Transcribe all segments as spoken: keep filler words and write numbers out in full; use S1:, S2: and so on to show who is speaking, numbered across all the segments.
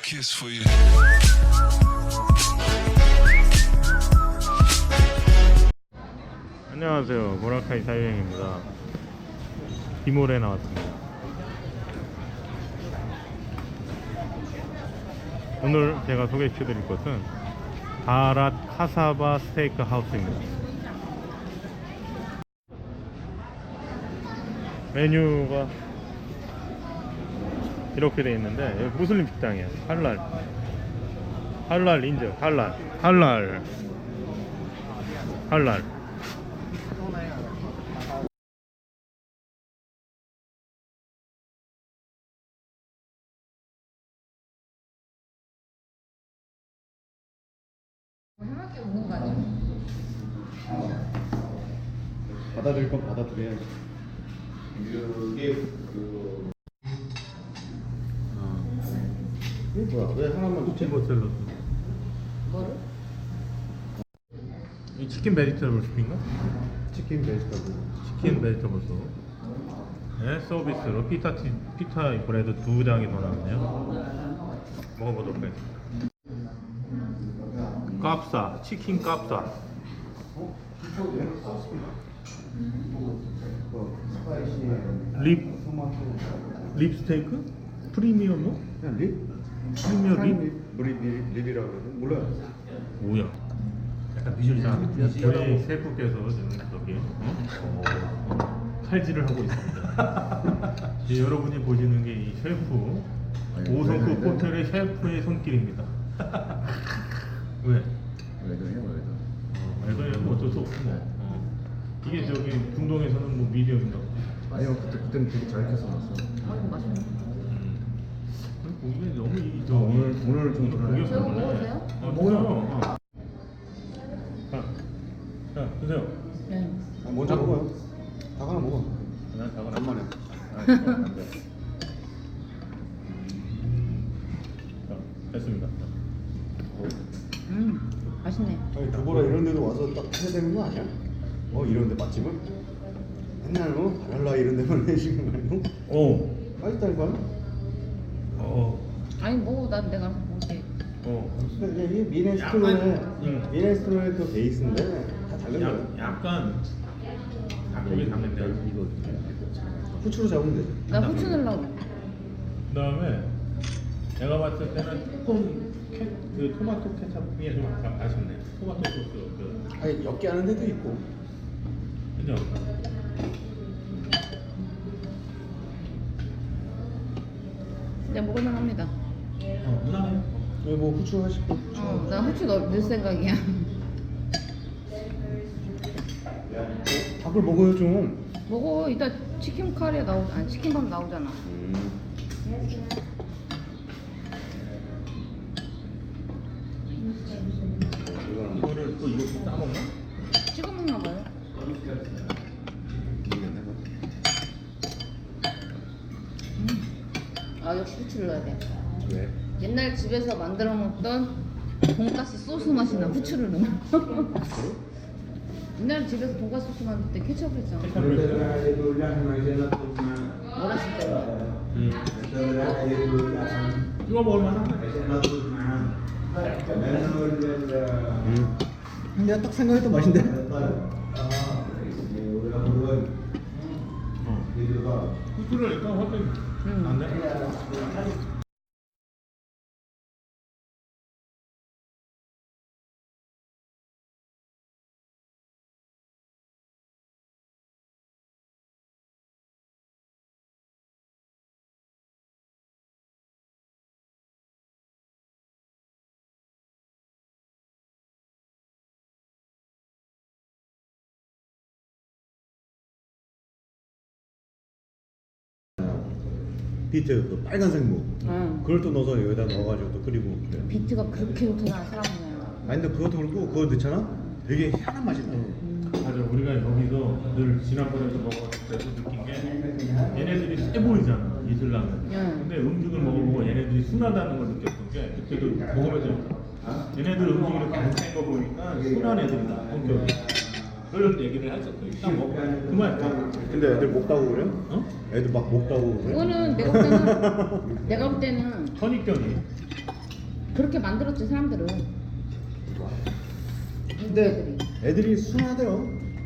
S1: kiss for you.
S2: 안녕하세요, 보라카이 사유행입니다. 디몰에 나왔습니다. 오늘 제가 소개시켜 드릴 것은 바랏 카사바 스테이크 하우스입니다. 메뉴가 이렇게 되어 있는데 여기 무슬림 식당이에요. 할랄 할랄 인증, 할랄 할랄 할랄.
S3: 해맑게 웃는 거 아니야?
S4: 받아들일 건 받아들여야지. 이게 그 이게 뭐야? 왜 하나만
S2: 치킨 모텔러스.
S3: 뭐를?
S2: 이 치킨 베지터블 스프인가?
S4: 치킨 베지터블.
S2: 치킨 베지터블 소. 네, 서비스로 피타 티, 피타 브레드 두 장이 더 나왔네요. 먹어보도록 하겠습니다. 깝사, 치킨 깝사. 립, 립 스테이크? 프리미엄 뭐?
S4: 그냥 립?
S2: 프리미엄 립?
S4: 립? 립? 립이라고 그러죠? 몰라요.
S2: 뭐야? 약간 비주얼이 자, 우리 셰프께서 지금 여기 어? 어, 칼질을 하고 있습니다. 이제 여러분이 보시는 게 이 셰프 오 성급 호텔의 셰프의 손길입니다. 왜?
S4: 왜 그래요? 왜 그래요?
S2: 애들이 뭐 어쩔 수 없고 뭐. 어. 이게 저기 중동에서는 뭐 미디엄인가?
S4: 아니요, 그때 그때는 되게 잘 켜서 놨어.
S3: 아 이거 맛있네.
S2: 음. 고기 너무 이 저
S4: 오늘 오늘 좀
S2: 고기
S3: 저거 먹어도 돼요?
S2: 어, 먹어요. 어. 자, 자 드세요.
S3: 네.
S4: 아, 먼저 먹어요. 다 하나 먹어.
S2: 난 작은
S4: 간만에.
S2: 아, 안 돼. 자, 됐습니다.
S3: 음 맛있네.
S4: 아니 두보라 이런 데도 와서 딱 해야 되는 거 아니야? 어 이런 데 맛집을? 맨날 뭐 바랄라 이런 데만 해주는 거 아니고?
S2: 오,
S4: 맛있다니까?
S2: 어,
S3: 아니 뭐 난 내가 먹을게.
S2: 어.
S4: 이게 이게 미네스트로의
S2: 음.
S4: 미네스트로의 그 베이스인데 다 다른 거야.
S2: 약, 약간 닭고기 담는데 이거
S4: 후추로 잡으면 되지.
S3: 나 후추 넣으려고.
S2: 그 다음에 내가 봤을 때는 조금 케, 그 토마토 케찹이 좀 아- 아쉽네. 토마토 소스 그
S4: 아니 엮게 하는 데도 있고.
S2: 그죠?
S3: 내가 먹을만 합니다.
S2: 어, 무난해.
S4: 여기 뭐 후추 하시고. 후추.
S3: 어, 나 후추 넣, 넣을 생각이야.
S4: 밥을 먹어요 좀.
S3: 먹어. 이따 치킨 카레 나오, 아니 치킨밥 나오잖아.
S4: 음.
S2: 이거를 또 이거 싸 먹나?
S3: 찍어 먹나 봐요. 아 역시 후추를 넣어야 돼.
S4: 왜?
S3: 옛날 집에서 만들어 먹던 돈가스 소스 맛이 나. 후추를 넣으면. 옛날 집에서 돈가스 소스 만들 때 케첩을 했잖아. 어렸을 때.
S2: 음. 이거 먹을만하네.
S4: 음. 내가 딱 생각했던 맛인데.
S2: 어. 후추를 일단 확인
S3: 음.
S2: 안 돼?
S4: 비트 그 빨간색 무.
S3: 응.
S4: 그걸 또 넣어서 여기다 넣어가지고 또 끓이고 그래.
S3: 비트가 그렇게 좋구나 사람은.
S4: 아니 근데 그것도 그렇고 그거 넣잖아. 되게 희한한 맛이 나.
S2: 맞아, 우리가 여기서 늘 지난번에도 먹었을 때도 느낀 게 얘네들이 세 보이잖아, 이슬람은.
S3: 응.
S2: 근데 음식을 먹어보고 얘네들이 순하다는 걸 느꼈던 게 그때도 먹으면서 얘네들 음식이 이렇게 안 센 거 보니까 순한 애들이다, 성격이. 그런 얘기를 했었어. 일단 먹고 그만.
S4: 근데 애들 먹다고 그래?
S2: 어?
S4: 애들 막 먹다고 그래?
S3: 이거는 내가 볼 때는 내가 볼 때는
S2: 선입견이.
S3: 그렇게 만들었지 사람들은.
S4: 근데 애들이 순하대요.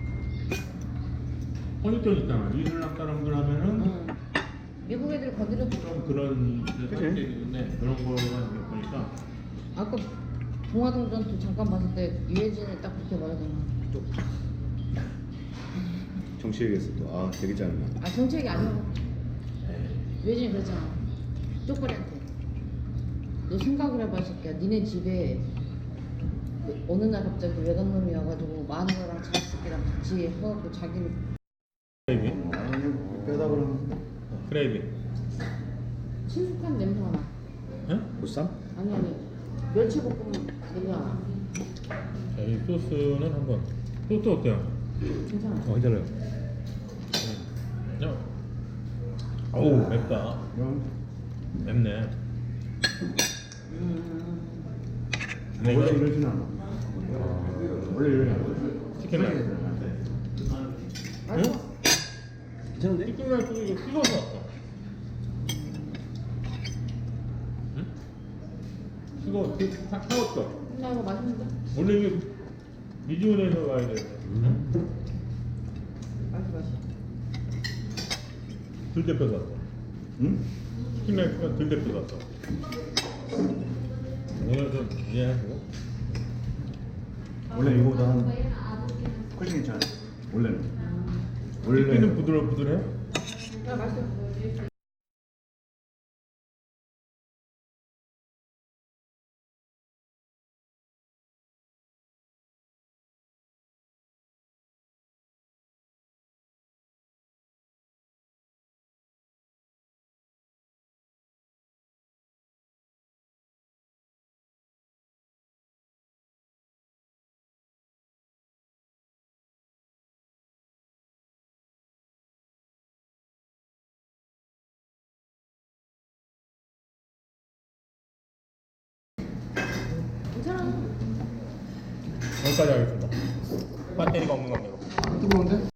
S2: 허니ton 있잖아. 이슬람 사람들 하면은
S3: 응. 미국 애들 거기도
S2: 좀 그런
S4: 그치?
S2: 네, 그런 거만 보니까
S3: 아까 봉화동전도 잠깐 봤을 때 유해진이 딱 그렇게 말하잖아.
S4: 정치 얘기했어 또. 아 되게 짜증나.
S3: 아 정책이 아니고 유해진이 그랬잖아. 쪽벌이한테 너 생각을 해봐 이 새끼야. 니네 집에 어느 날 갑자기 외간놈이 와가지고 마누라랑 자식이랑 같이 해갖고 자기는
S2: 크레이비
S4: 아니 빼다 그러면
S2: 크레이비
S3: 친숙한 냄새가 나.
S2: 응?
S4: 보쌈?
S3: 아니 아니 멸치볶음 냄새가 나.
S2: 자, 이 소스는 한번 소스 어때요?
S3: 괜찮아.
S4: 어 괜찮아요.
S2: 야. 어우 맵다. 맵네.
S3: 음.
S2: 근데
S4: 원래
S2: 이거
S4: 이러진 않아. 원래 이러진 않아.
S2: 치킨 라이스.
S3: 맛있어.
S4: 괜찮은데?
S2: 치킨 라이스 이거 찍어서 왔어. 응? 이거 다 사왔어.
S3: 나 이거 맛있는데?
S2: 원래 이게 미지원에서 가야 돼.
S3: 맛있어 맛있어.
S2: 들 대표서 왔어.
S4: 응?
S2: 치킨 라이스가 들 대표서 왔어. 오늘 좀 이해하시고.
S4: 원래 이거보다 한 훨씬 괜찮아. 원래는.
S2: 치킨은 부들부들해.
S3: 야 맛있어. 괜찮아.
S2: 여기까지 하겠습니다. 배터리가 없는 겁니다.
S4: 뜨거운데?